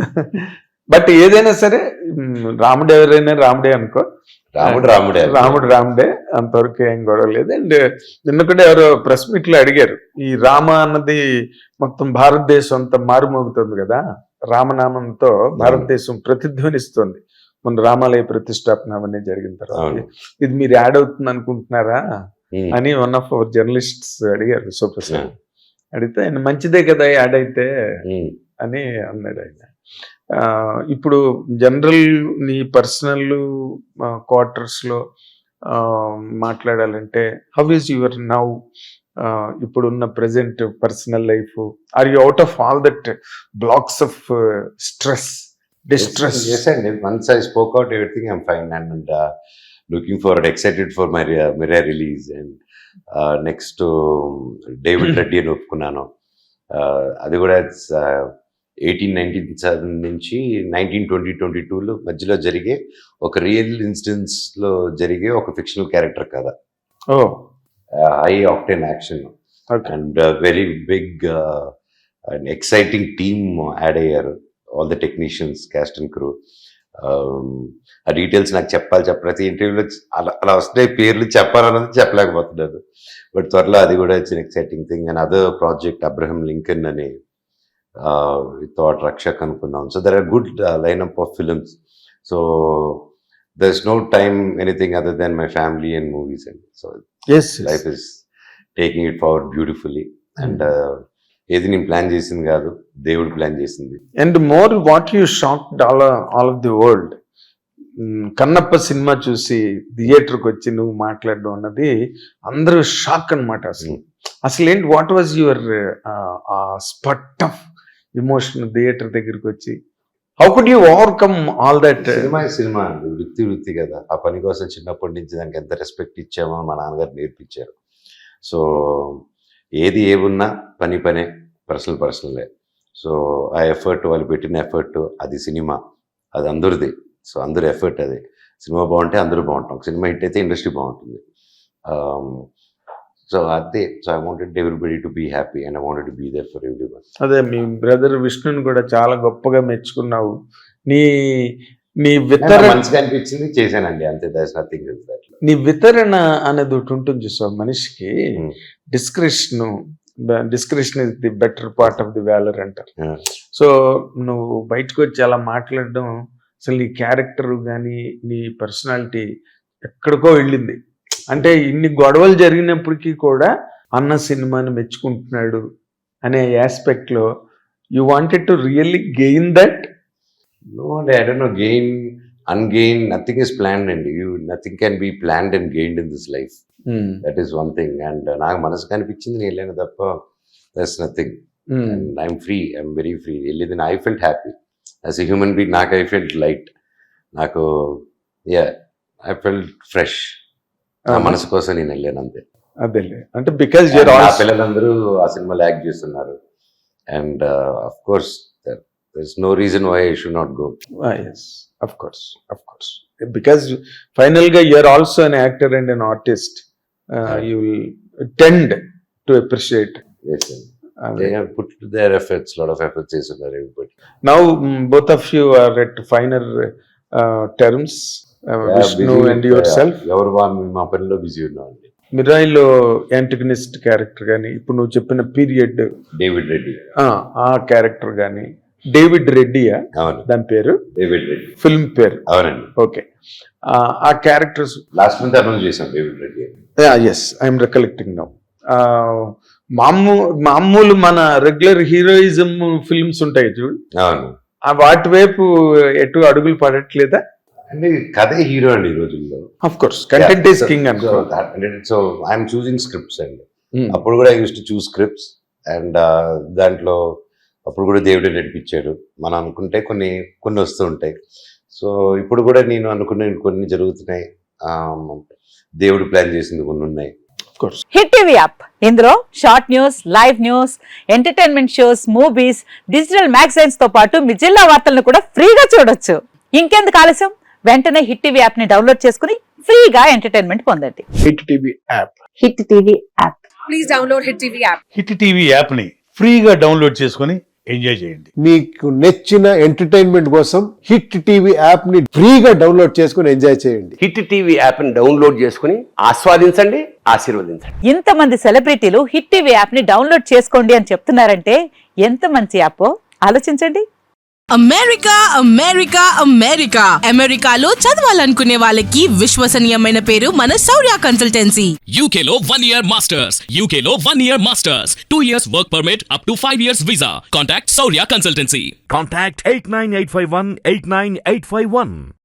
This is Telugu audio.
బట్ ఏదైనా సరే రాముడు ఎవరైనా రాముడే అనుకో, రాముడే అంతవరకు ఏం గొడవ లేదు. అండ్ నిన్న కూడా ఎవరో ప్రెస్ మీట్ లో అడిగారు, ఈ రామ అన్నది మొత్తం భారతదేశం అంతా మారుమోగుతుంది కదా, రామనామంతో భారతదేశం ప్రతిధ్వనిస్తుంది మన రామాలయ ప్రతిష్టాపన అవన్నీ జరిగిన తర్వాత, ఇది మీరు యాడ్ అవుతుంది అనుకుంటున్నారా అని వన్ ఆఫ్ అవర్ జర్నలిస్ట్స్ అడిగారు విశ్వప్రసాద్. అడిగితే ఆయన మంచిదే కదా యాడ్ అయితే అని అన్నాడు ఆయన. ఇప్పుడు జనరల్ నీ పర్సనల్ క్వార్టర్స్ లో మాట్లాడాలంటే హౌ ఈజ్ యువర్ నౌ ఇప్పుడున్న present personal life? Are you out of all that blocks of stress, distress? Yes, and once I spoke out everything, I'm fine, and looking forward, excited for my Mirror release, and next to David Reddy అని ఒప్పుకున్నాను. అది కూడా 1897 నుంచి 1922 మధ్యలో జరిగే ఒక రియల్ ఇన్సిడెంట్స్ లో జరిగే ఒక ఫిక్షనల్ క్యారెక్టర్ కదా, high octane action and very big and exciting team add అయ్యారు. All the technicians, cast and crew. ఆ డీటెయిల్స్ నాకు ప్రతి ఇంటర్వ్యూలో అలా వస్తున్నాయి పేర్లు, చెప్పాలన్నది చెప్పలేకపోతున్నాను. బట్ త్వరలో అది కూడా it's exciting thing. And other project Abraham Lincoln అని థాట్ రక్షక్ అనుకున్నాం. So there are good lineup of films. So there is no time anything other than my family and movies. And so life is taking it forward beautifully. And ఏది నేను ప్లాన్ చేసింది కాదు, దేవుడు ప్లాన్ చేసింది. And more what you shocked all of the world, Kannappa సినిమా చూసి థియేటర్కి వచ్చి నువ్వు మాట్లాడడం అన్నది అందరూ షాక్ అనమాట. అసలు ఏంటి, what was your spot of emotion theatre దగ్గరికి వచ్చి? How could you overcome all that? సినిమా వృత్తి కదా, ఆ పని కోసం చిన్నప్పటి నుంచి దానికి ఎంత రెస్పెక్ట్ ఇచ్చామో మా నాన్నగారు నేర్పించారు. సో ఏది ఏమున్నా పనే, పర్సనలే. సో ఆ ఎఫర్ట్, వాళ్ళు పెట్టిన ఎఫర్ట్, అది సినిమా, అది అందరిది. సో అందరు ఎఫర్ట్ అది. సినిమా బాగుంటే అందరూ బాగుంటాం, సినిమా హిట్ అయితే ఇండస్ట్రీ బాగుంటుంది. సో అదే. So I wanted everybody to be happy and I wanted to be there for everyone. అదే మీ బ్రదర్ విష్ణుని కూడా చాలా గొప్పగా మెచ్చుకున్నావు. నీ వితరణ మంచిగా అనిపించింది, చేశానండి, అంతే. That's nothing else. నీ వితరణ అనేది ఒకటి ఉంటుంది చూసావు మనిషికి. Description is the better part of the valour అంటారు. సో నువ్వు బయటకు వచ్చి అలా మాట్లాడడం, అసలు నీ క్యారెక్టర్ కానీ నీ పర్సనాలిటీ ఎక్కడికో వెళ్ళింది. అంటే ఇన్ని గొడవలు జరిగినప్పటికీ కూడా అన్న సినిమాని మెచ్చుకుంటున్నాడు అనే ఆస్పెక్ట్ లో you wanted to really gain that? No, I don't know. Gain, ungain, nothing is planned, and nothing can be planned and gained in this life. That is one thing. And నాకు మనసు కనిపించింది నేను వెళ్ళాను తప్ప, that's nothing. And I'm free. I'm very free. వెళ్ళేది I felt happy as a human being. నాకు I felt light. నాకు I felt fresh. నా మనసు కోసం నేను వెళ్ళాను అంతే. అదేలే, అంటే బికాజ్ నా పిల్లలందరూ ఆ సినిమాలో యాక్ట్ చేస్తున్నారు. And of course there's no reason why I should not go. Yes, of course. Because finally you're also an actor and an artist. You will tend to appreciate. Yes, they have put their efforts, lot of efforts is there, everybody. Now both of you are at finer terms, Vishnu and yourself. మా పనిలో బిజీ ఉన్నామండి. మిరాయిలో యాంటగనిస్ట్ క్యారెక్టర్ కానీ, ఇప్పుడు నువ్వు చెప్పిన పీరియడ్ డేవిడ్ రెడ్డి ఆ క్యారెక్టర్ కానీ, డేవిడ్ రెడ్డియా దాని పేరు? డేవిడ్ రెడ్డి ఫిల్మ్ పేరు. అవునండి. ఓకే. ఆ క్యారెక్టర్స్ లాస్ట్ మంత్ అనౌన్స్ చేశాం David Reddy. Yes, I'm recollecting now. మామూలు మన రెగ్యులర్ హీరోయిజం ఫిల్మ్స్ ఉంటాయి చూడు, వాటి వైపు ఎటు అడుగులు పడట్లేదా? అంటే కథే హీరో అండి ఈ రోజుల్లో. Of course content is king అనుకో. సో ఐఎమ్ చూసింగ్ స్క్రిప్ట్స్ అండి. అప్పుడు కూడా I use to choose scripts, and దాంట్లో అప్పుడు కూడా దేవుడే నడిపించాడు. మనం అనుకుంటే కొన్ని వస్తూ ఉంటాయి. సో ఇప్పుడు కూడా నేను అనుకునే కొన్ని జరుగుతున్నాయి, దేవుడు ప్లాన్ చేసింది కొన్ని ఉన్నాయి. హిట్ టీవీ యాప్, ఇందులో short news, live news, entertainment shows, movies, digital magazines తో పాటు మీ జిల్లా వార్తలను కూడా ఫ్రీగా చూడొచ్చు. ఇంకెందుకు ఆలస్యం, వెంటనే హిట్ టీవీ యాప్ ని డౌన్లోడ్ చేసుకుని ఫ్రీగా ఎంటర్టైన్మెంట్ పొందండి. Hit TV app. Hit TV app. Please download hit TV app. Hit TV app ని ఫ్రీగా డౌన్లోడ్ చేసుకుని ఎంజాయ్ చేయండి. మీకు నచ్చిన ఎంటర్టైన్మెంట్ కోసం హిట్ టీవీ యాప్ ని ఫ్రీగా డౌన్లోడ్ చేసుకుని ఎంజాయ్ చేయండి. హిట్ టీవీ యాప్ని డౌన్లోడ్ చేసుకుని ఆస్వాదించండి, ఆశీర్వదించండి. ఇంతమంది సెలబ్రిటీలు హిట్ టీవీ యాప్ ని డౌన్లోడ్ చేసుకోండి అని చెప్తున్నారంటే ఎంత మంచి యాప్ ఆలోచించండి. అమెరికా అమెరికా అమెరికా అమెరికాలో చదవాలనుకునే వాళ్ళకి విశ్వసనీయమైన పేరు మన శౌర్య కన్సల్టెన్సీ. UK లో 1 year masters. UK లో 1 year masters. 2 years work permit up to 5 years visa. Contact Saurya Consultancy. Contact 89851 89851.